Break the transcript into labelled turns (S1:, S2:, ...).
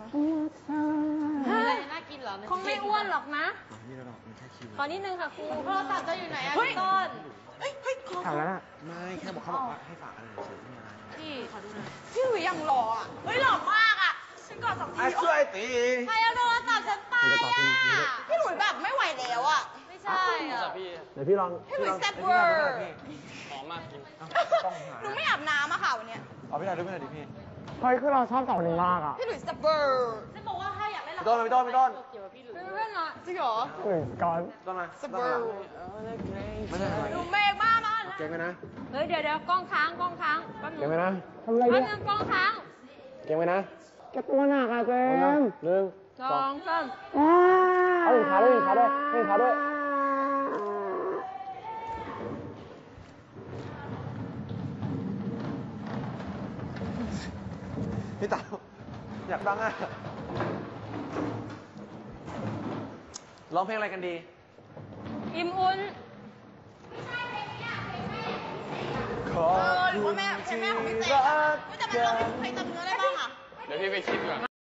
S1: อะไรน่ากินเหรอคงไม่อ้วนหรอกนะ
S2: นี่เรามันแค่คิว
S1: ขอนิดนึงค่ะครูโทรศัพท์จะอยู่ไหนอะพี่ต้น
S2: ถามแล้วนะไม่แค่บอกเขาบอกว่าให้ฝากอะไรเฉยๆไม่อะไร
S1: พี่ขอดูหน่อย
S3: พี่หลุยยังหล่ออ่ะ เฮ้ยหล่อมากอ่ะ ฉันกอด2 ที
S2: ช่วยตี
S1: ใครเอาโทรศัพท์ฉันไปอ่ะ
S3: พี่หลุยแบบไม่ไหวแล้วอ่ะ
S1: ไม่ใช่อ่ะ
S2: เดี๋ยวพี่ลอง
S3: พี่หลุยแซ่บเวอร์
S2: หอมมาก
S3: หนูไม่อาบน้ำอะค่ะวันเนี้ย
S2: เอาพี่ถ่ายด้วยไม่ถ่ายดิพี่
S4: เฮ้ยคือเราชอบสองคนนี้มากอ่ะ
S3: พี่หลุยแซ่บเวอร์
S1: ฉันบอกว่าถ้าอยากเล่นละค
S2: พี่
S1: ร
S2: ต้นพี่ต้น
S1: เกี่ยวกับพี่หลุย
S3: เป็นเพื่อนเหรอจริงเหรอ
S4: ก่อน
S2: ต้นมา
S3: แซ่บเวอร์
S2: ไม่ใช่อะไร
S3: หนูเมฆมากนะ
S2: เก่งไหมนะ
S1: เฮ้ยเดี๋ยวกล้องค้างแป๊บ
S2: เก่งไหมนะ
S4: ทำอะไร
S1: นึ
S4: เนี่ย
S1: งกล้องค้าง
S2: เก่งไหมนะ
S4: แกตัวหนักอะเจมส์
S2: หนึ่ง
S1: สองสาม
S4: เอาอีกขาด้วยอีกขาด้วยอีกขาด้วย
S2: พี่เต๋าอยากฟังอ่ะร้องเพลงอะไรกันดี
S1: อิ่มอุ่น
S2: ขอ
S3: หรือว่าแม่ของพี่เต้ก็จะไปร้องเพลงจำเนื้อได้บ้างอ่ะ
S2: เดี๋ยวพี่ไปคิดก่อน